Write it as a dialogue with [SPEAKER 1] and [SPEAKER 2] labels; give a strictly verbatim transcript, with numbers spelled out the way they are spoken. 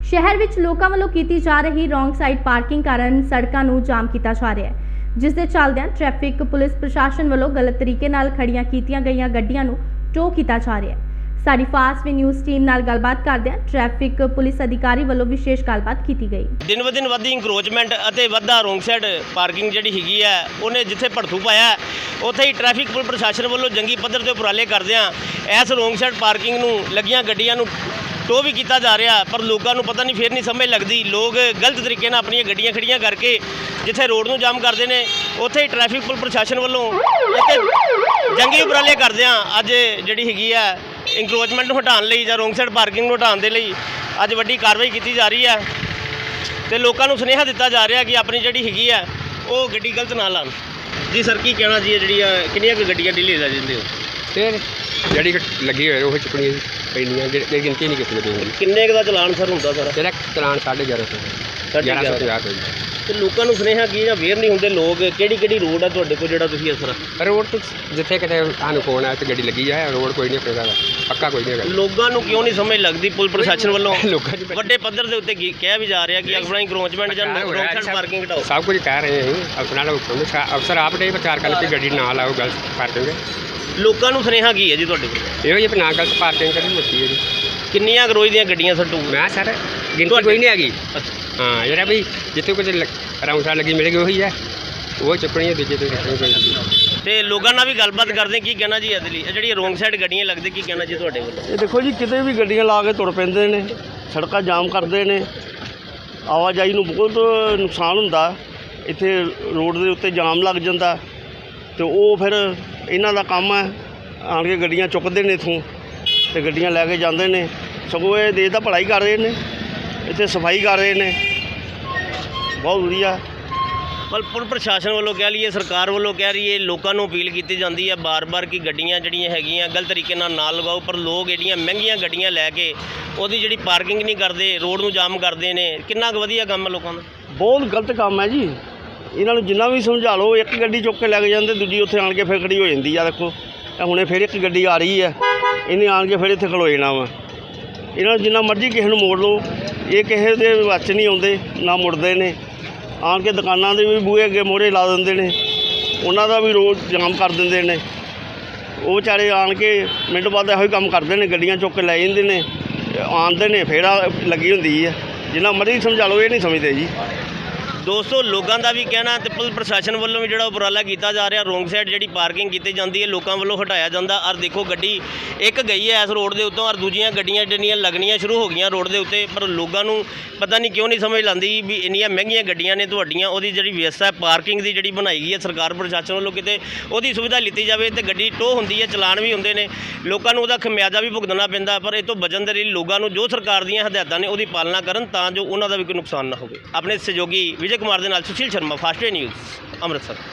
[SPEAKER 1] शहर विच लोकां ਵੱਲੋਂ ਕੀਤੀ जा रही रॉन्ग साइड पार्किंग कारण सड़कों ਨੂੰ जाम ਕੀਤਾ ਜਾ ਰਿਹਾ है, जिस दे चलदियां ट्रैफिक पुलिस प्रशासन ਵੱਲੋਂ गलत तरीके नाल खड़ियां कीतियां गईयां गड्डियां ਨੂੰ टो ਕੀਤਾ जा ਰਿਹਾ है। साडी फास्ट वे न्यूज़ टीम नाल गलबात करदियां ट्रैफिक पुलिस अधिकारी ਵੱਲੋਂ विशेष गलबात की गई।
[SPEAKER 2] दिन ब दिन वधी इंक्रोचमेंट ਅਤੇ ਵੱਧਦਾ ਰੋਂਗ ਸਾਈਡ ਪਾਰਕਿੰਗ ਜਿਹੜੀ ਹੈਗੀ ਆ ਉਹਨੇ ਜਿੱਥੇ ਭੜਥੂ ਪਾਇਆ ਉੱਥੇ ਹੀ ਟ੍ਰੈਫਿਕ ਪੁਲਿਸ ਪ੍ਰਸ਼ਾਸਨ ਵੱਲੋਂ ਜੰਗੀ ਪੱਧਰ ਤੇ ਉਪਰਾਲੇ ਕਰਦਿਆਂ ਇਸ ਰੋਂਗ ਸਾਈਡ ਪਾਰਕਿੰਗ ਨੂੰ ਲੱਗੀਆਂ ਗੱਡੀਆਂ ਨੂੰ ਟੋ भी किया जा रहा, पर लोगों को पता नहीं फिर नहीं समझ लगती। लोग गलत तरीके नाल अपनी गड्डियां खड़ियां करके जिथे रोड नूं जाम करते हैं उत्थे ही ट्रैफिक पुलिस प्रशासन वालों जंगी उपराले करदियां अज जिहड़ी हैगी आ इंक्रोचमेंट नूं हटाउण लई जां रोंग साइड पार्किंग नूं हटाउण दे लई अज वड्डी कार्रवाई की जा रही है ते लोगों को सुनेहा दिता जा रहा कि अपनी जिहड़ी हैगी आ वो गड्डी गलत ना लाण। जी सर की कहना जी जिहड़ियां किन्नियां क गड्डियां डेली ला जांदे हो?
[SPEAKER 3] फिर ਜਿਹੜੀ ਲੱਗੀ ਹੋਏ ਉਹ ਚੁੱਕਣੀ ਪੈਂਦੀਆਂ ਜਿਹੜੀ ਗਿਣਤੀ ਨਹੀਂ ਕੀਤੀ ਜਾਂਦੀ।
[SPEAKER 2] ਕਿੰਨੇ ਕੁ ਦਾ ਚਲਾਨ ਸਰ ਹੁੰਦਾ ਸਰ?
[SPEAKER 3] ਜਿਹੜਾ ਚਲਾਨ ਸਾਢੇ ਗਿਆਰਾਂ ਸੌ ਗਿਆਰਾਂ ਸੌ ਪੰਜਾਹ ਕੋਈ
[SPEAKER 2] ਤੇ ਲੋਕਾਂ ਨੂੰ ਸੁਨੇਹਾ ਕੀ ਜਾਂ ਵੇਅਰ ਨਹੀਂ ਹੁੰਦੇ ਲੋਕ ਕਿਹੜੀ ਕਿਹੜੀ ਰੋਡ ਆ ਤੁਹਾਡੇ ਕੋਲ ਜਿਹੜਾ ਤੁਸੀਂ ਅਸਰ
[SPEAKER 3] ਰੋਡ ਤੋਂ ਜਿੱਥੇ ਕਿਤੇ ਤੁਹਾਨੂੰ ਫੋਨ ਆਇਆ ਤੇ ਗੱਡੀ ਲੱਗੀ ਆ ਰੋਡ ਕੋਈ ਨਹੀਂ ਆਪਣਾ ਪੱਕਾ ਕੋਈ ਨਹੀਂ ਹੈਗਾ।
[SPEAKER 2] ਲੋਕਾਂ ਨੂੰ ਕਿਉਂ ਨਹੀਂ ਸਮਝ ਲੱਗਦੀ ਪੁਲਿਸ ਪ੍ਰਸ਼ਾਸਨ ਵੱਲੋਂ
[SPEAKER 3] ਲੋਕਾਂ ਦੀ
[SPEAKER 2] ਵੱਡੇ ਪੱਧਰ ਦੇ ਉੱਤੇ ਕਿਹਾ ਵੀ ਜਾ ਰਿਹਾ ਕਿ ਆਪਣਾ ਇੰਕਰੋਚਮੈਂਟ ਜਾਂ ਰੋਡ ਸਾਈਡ ਪਾਰਕਿੰਗ ਘਟਾਓ।
[SPEAKER 3] ਸਭ ਕੁਝ ਕਹਿ ਰਹੇ ਹਾਂ ਅਫਸਰਾਂ ਨਾਲ ਹੁਕਮ ਅਫਸਰ ਆਪ ਨੇ ਵਿਚਾਰ ਕਰਨ ਕਿ ਗੱਡੀ ਨਾ ਲਾਓ ਗਲਤ ਪਾਰਕਿੰਗ।
[SPEAKER 2] ਲੋਕਾਂ ਨੂੰ ਸੁਨੇਹਾ ਕੀ ਹੈ ਜੀ ਤੁਹਾਡੇ ਕੋਲ?
[SPEAKER 3] ਇਹੋ ਜਿਹੀ ਨਾ ਗਲਤ ਪਾਰਕਿੰਗ ਕਰਨੀ ਮੁੱਕੀ ਹੈ ਜੀ।
[SPEAKER 2] ਕਿੰਨੀਆਂ ਰੋਜ਼ ਦੀਆਂ ਗੱਡੀਆਂ ਸੱਟੂ?
[SPEAKER 3] ਮੈਂ ਸਰ ਗਿਣਤੀ ਕੋਈ ਨਹੀਂ ਹੈਗੀ। ਹਾਂ ਜਿਹੜਾ ਵੀ ਜਿੱਥੇ ਕੁਝ ਰੌਂਸਾ ਲੱਗੀ ਮਿਲੇਗੀ ਉਹੀ ਹੈ ਉਹ ਚੁੱਕਣੀ ਹੈ ਦੂਜੇ ਤੋਂ ਚੁੱਕਣੀ ਚਾਹੀਦੀ।
[SPEAKER 2] ਤੇ ਲੋਕਾਂ ਨਾਲ ਵੀ ਗੱਲਬਾਤ ਕਰਦੇ ਕੀ ਕਹਿਣਾ ਜੀ ਇਹਦੇ ਲਈ ਜਿਹੜੀ ਰੋਂਗ ਸਾਈਡ ਗੱਡੀਆਂ ਲੱਗਦੇ ਕੀ ਕਹਿਣਾ ਜੀ ਤੁਹਾਡੇ ਵੱਲੋਂ?
[SPEAKER 4] ਇਹ ਦੇਖੋ ਜੀ ਕਿਤੇ ਵੀ ਗੱਡੀਆਂ ਲਾ ਕੇ ਤੁਰ ਪੈਂਦੇ ਨੇ, ਸੜਕਾਂ ਜਾਮ ਕਰਦੇ ਨੇ, ਆਵਾਜਾਈ ਨੂੰ ਬਹੁਤ ਨੁਕਸਾਨ ਹੁੰਦਾ। ਇੱਥੇ ਰੋਡ ਦੇ ਉੱਤੇ ਜਾਮ ਲੱਗ ਜਾਂਦਾ ਤੇ ਉਹ ਫਿਰ ਇਹਨਾਂ ਦਾ ਕੰਮ ਹੈ ਆਣ ਕੇ ਗੱਡੀਆਂ ਚੁੱਕਦੇ ਨੇ ਇੱਥੋਂ ਤੇ ਗੱਡੀਆਂ ਲੈ ਕੇ ਜਾਂਦੇ ਨੇ। ਸਗੋਂ ਇਹ ਦੇਸ਼ ਦਾ ਭਲਾਈ ਕਰ ਰਹੇ ਨੇ, ਇੱਥੇ ਸਫਾਈ ਕਰ ਰਹੇ ਨੇ, ਬਹੁਤ ਵਧੀਆ।
[SPEAKER 2] ਪਰ ਪੁਲਿਸ ਪ੍ਰਸ਼ਾਸਨ ਵੱਲੋਂ ਕਹਿ ਲਈਏ ਸਰਕਾਰ ਵੱਲੋਂ ਕਹਿ ਰਹੀ ਹੈ ਲੋਕਾਂ ਨੂੰ ਅਪੀਲ ਕੀਤੀ ਜਾਂਦੀ ਹੈ ਬਾਰ-ਬਾਰ ਕਿ ਗੱਡੀਆਂ ਜਿਹੜੀਆਂ ਹੈਗੀਆਂ ਗਲਤ ਤਰੀਕੇ ਨਾਲ ਨਾ ਲਗਾਓ, ਪਰ ਲੋਕ ਜਿਹੜੀਆਂ ਮਹਿੰਗੀਆਂ ਗੱਡੀਆਂ ਲੈ ਕੇ ਉਹਦੀ ਜਿਹੜੀ ਪਾਰਕਿੰਗ ਨਹੀਂ ਕਰਦੇ ਰੋਡ ਨੂੰ ਜਾਮ ਕਰਦੇ ਨੇ। ਕਿੰਨਾ ਕੁ ਵਧੀਆ ਕੰਮ ਹੈ ਲੋਕਾਂ ਦਾ?
[SPEAKER 4] ਬਹੁਤ ਗਲਤ ਕੰਮ ਹੈ ਜੀ। ਇਹਨਾਂ ਨੂੰ ਜਿੰਨਾ ਵੀ ਸਮਝਾ ਲਓ ਇੱਕ ਗੱਡੀ ਚੁੱਕ ਕੇ ਲੈ ਕੇ ਜਾਂਦੇ ਦੂਜੀ ਉੱਥੇ ਆਣ ਕੇ ਫਿਰ ਖੜੀ ਹੋ ਜਾਂਦੀ ਆ। ਦੇਖੋ ਇਹ ਹੁਣੇ ਫਿਰ ਇੱਕ ਗੱਡੀ ਆ ਰਹੀ ਹੈ ਇਹਨੇ ਆਣ ਕੇ ਫਿਰ ਇੱਥੇ ਖਲੋ ਜਾਣਾ ਵਾ। ਇਹਨਾਂ ਨੂੰ ਜਿੰਨਾ ਮਰਜ਼ੀ ਕਿਸੇ ਨੂੰ ਮੋੜ ਲਓ ਇਹ ਕਿਸੇ ਦੇ ਵਿੱਚ ਨਹੀਂ ਆਉਂਦੇ ਨਾ ਮੁੜਦੇ ਨੇ। ਆਣ ਕੇ ਦੁਕਾਨਾਂ ਦੇ ਵੀ ਬੂਹੇ ਅੱਗੇ ਮੋਹਰੇ ਲਾ ਦਿੰਦੇ ਨੇ, ਉਹਨਾਂ ਦਾ ਵੀ ਰੋਡ ਜਾਮ ਕਰ ਦਿੰਦੇ ਨੇ। ਉਹ ਵਿਚਾਰੇ ਆਣ ਕੇ ਮਿੰਟ ਬਾਅਦ ਇਹੋ ਹੀ ਕੰਮ ਕਰਦੇ ਨੇ, ਗੱਡੀਆਂ ਚੁੱਕ ਕੇ ਲੈ ਜਾਂਦੇ ਨੇ, ਆਉਂਦੇ ਨੇ ਫਿਰ ਲੱਗੀ ਹੁੰਦੀ ਹੈ। ਜਿੰਨਾ ਮਰਜ਼ੀ ਸਮਝਾ ਲਓ ਇਹ ਨਹੀਂ ਸਮਝਦੇ ਜੀ।
[SPEAKER 2] ਦੋਸਤੋ ਲੋਕਾਂ ਦਾ ਵੀ ਕਹਿਣਾ ਤੇ ਪੁਲਿਸ ਪ੍ਰਸ਼ਾਸਨ ਵੱਲੋਂ ਵੀ ਜਿਹੜਾ ਉਪਰਾਲਾ ਕੀਤਾ ਜਾ ਰਿਹਾ ਰੋਂਗ ਸਾਈਡ ਜਿਹੜੀ ਪਾਰਕਿੰਗ ਕੀਤੀ ਜਾਂਦੀ ਹੈ ਲੋਕਾਂ ਵੱਲੋਂ ਹਟਾਇਆ ਜਾਂਦਾ। ਔਰ ਦੇਖੋ ਗੱਡੀ ਇੱਕ ਗਈ ਹੈ ਇਸ ਰੋਡ ਦੇ ਉੱਤੋਂ ਔਰ ਦੂਜੀਆਂ ਗੱਡੀਆਂ ਜਿਹੜੀਆਂ ਲੱਗਣੀਆਂ ਸ਼ੁਰੂ ਹੋ ਗਈਆਂ ਰੋਡ ਦੇ ਉੱਤੇ, ਪਰ ਲੋਕਾਂ ਨੂੰ ਪਤਾ ਨਹੀਂ ਕਿਉਂ ਨਹੀਂ ਸਮਝ ਲਾਉਂਦੀ ਵੀ ਇੰਨੀਆਂ ਮਹਿੰਗੀਆਂ ਗੱਡੀਆਂ ਨੇ ਤੁਹਾਡੀਆਂ ਉਹਦੀ ਜਿਹੜੀ ਵਿਵਸਥਾ ਪਾਰਕਿੰਗ ਦੀ ਜਿਹੜੀ ਬਣਾਈ ਗਈ ਹੈ ਸਰਕਾਰ ਪ੍ਰਸ਼ਾਸਨ ਵੱਲੋਂ ਕਿਤੇ ਉਹਦੀ ਸੁਵਿਧਾ ਲਿੱਤੀ ਜਾਵੇ ਤੇ ਗੱਡੀ ਟੋ ਹੁੰਦੀ ਹੈ, ਚਲਾਨ ਵੀ ਹੁੰਦੇ ਨੇ, ਲੋਕਾਂ ਨੂੰ ਉਹਦਾ ਖਮਿਆਜ਼ਾ ਵੀ ਭੁਗਤਣਾ ਪੈਂਦਾ। ਪਰ ਇਹ ਤੋਂ ਬਚਣ ਦੇ ਲਈ ਲੋਕਾਂ ਨੂੰ ਜੋ ਸਰਕਾਰ ਦੀਆਂ ਹਦਾਇਤਾਂ ਨੇ ਉਹਦੀ ਪਾਲਣਾ ਕਰਨ ਤਾਂ ਜੋ ਉਹਨਾਂ ਦਾ ਵੀ ਕੋਈ ਨੁਕਸਾਨ ਨਾ ਹੋਵੇ। ਆਪਣੇ ਸਹਿਯੋਗੀ ਵਿਜੇ ਕੁਮਾਰ ਦੇ ਨਾਲ Sushil Sharma, Fast Way News, Amritsar.